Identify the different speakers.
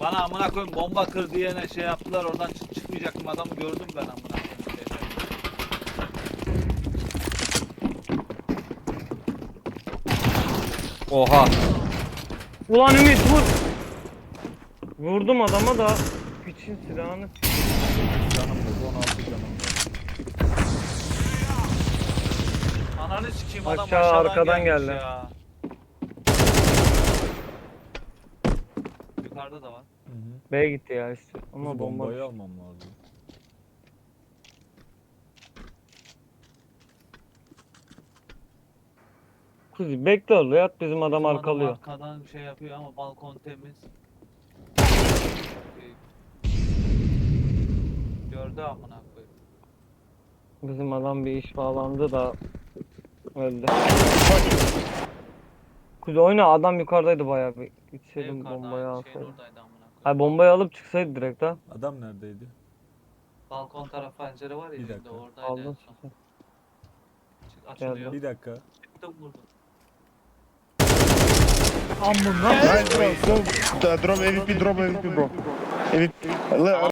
Speaker 1: Bana amına koyayım bomba kır diyene şey yaptılar, oradan çıkmayacaktım, adamı gördüm ben amına koyayım.
Speaker 2: Oha.
Speaker 3: Ulan Ümit vur. Vurdum adama da. Piçin silahını.
Speaker 2: Canım yok 16 canım var.
Speaker 1: Ananı sikeyim, adam
Speaker 3: Aşağı,
Speaker 1: aşağıdan
Speaker 3: arkadan
Speaker 1: gelmiş
Speaker 3: geldi.
Speaker 1: ya. Yukarıda da var.
Speaker 2: Hı hı.
Speaker 3: B'ye gitti ya işte. Ama
Speaker 2: Kuzu
Speaker 3: bomba.
Speaker 2: bombayı almam lazım.
Speaker 3: Kuzi bekle orada yat bizim adam
Speaker 1: Bizim
Speaker 3: arkalıyor.
Speaker 1: arkadan şey yapıyor ama balkon temiz. Gördü amına koyayım.
Speaker 3: Bizim adam bir iş bağlandı da öldü. Kuzi oyna, adam yukarıdaydı bayağı bir.
Speaker 1: Ne
Speaker 3: Gitseydim
Speaker 1: yukarıda
Speaker 3: bombayı
Speaker 1: aynı şeyin
Speaker 3: alsaydım.
Speaker 1: oradaydı amına koyayım.
Speaker 3: Hayır bombayı alıp çıksaydı direkt ha.
Speaker 2: Adam neredeydi?
Speaker 1: Balkon tarafı pencere var ya,
Speaker 2: Bir
Speaker 1: elinde
Speaker 2: dakika.
Speaker 1: oradaydı en
Speaker 3: Aldın
Speaker 1: son.
Speaker 3: sen.
Speaker 1: Açılıyor.
Speaker 2: Bir dakika.
Speaker 1: Çıktım vurdum.
Speaker 4: Nice bro. Go. Drop MVP, bro. MVP.